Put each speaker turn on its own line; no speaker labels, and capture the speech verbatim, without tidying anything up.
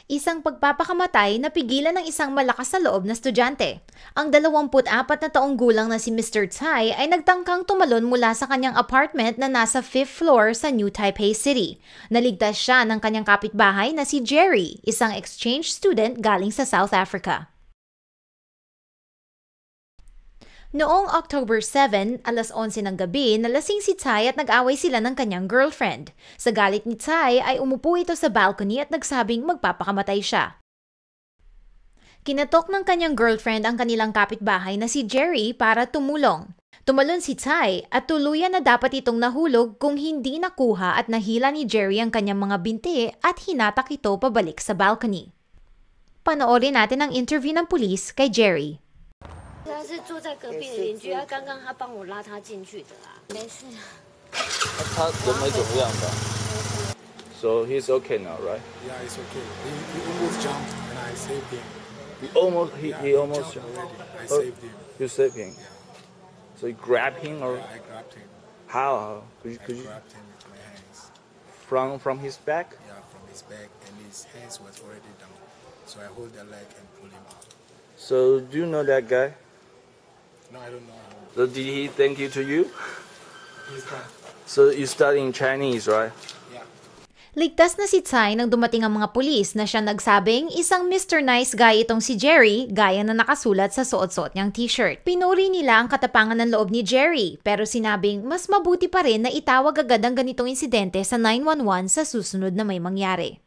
Isang pagpapakamatay na pigilan ng isang malakas na loob na estudyante. Ang dalawampu't apat na taong gulang na si Mister Tsai ay nagtangkang tumalon mula sa kanyang apartment na nasa fifth floor sa New Taipei City. Naligtas siya ng kanyang kapitbahay na si Jerry, isang exchange student galing sa South Africa. Noong October seventh, alas onse ng gabi, nalasing si Tsai at nag-away sila ng kanyang girlfriend. Sa galit ni Tsai ay umupo ito sa balcony at nagsabing magpapakamatay siya. Kinatok ng kanyang girlfriend ang kanilang kapitbahay na si Jerry para tumulong. Tumalon si Tsai at tuluyan na dapat itong nahulog kung hindi nakuha at nahila ni Jerry ang kanyang mga binti at hinatak ito pabalik sa balcony. Panoorin natin ang interview ng pulis kay Jerry.
他是住在隔壁的邻居，他刚刚他帮我拉他进去的啦，没事。
他人没怎么样吧 ？So he's okay now, right?
Yeah, he's okay. He, he almost jumped and I saved him.
He almost he,
Yeah,
he almost
jumped already. I
Oh,
saved him.
You saved him.
Yeah.
So you grabbed him or
Yeah, I grabbed him.
how? Could you,
I
could you
grabbed him with my hands.
from from his back?
Yeah, from his back, and his hands was already down. So I hold the leg and pull him out.
So do you know that guy?
No, I don't know him.
So did he thank you to you?
He's gone.
So you studying Chinese, right?
Yeah.
Ligtas na si Tsai nang dumating ang mga pulis na siya nagsabing isang Mister Nice Guy itong si Jerry gaya na nakasulat sa suot-suot niyang t-shirt. Pinuri nila ang katapangan ng loob ni Jerry pero sinabing mas mabuti pa rin na itawag agad ang ganitong insidente sa nine one one sa susunod na may mangyari.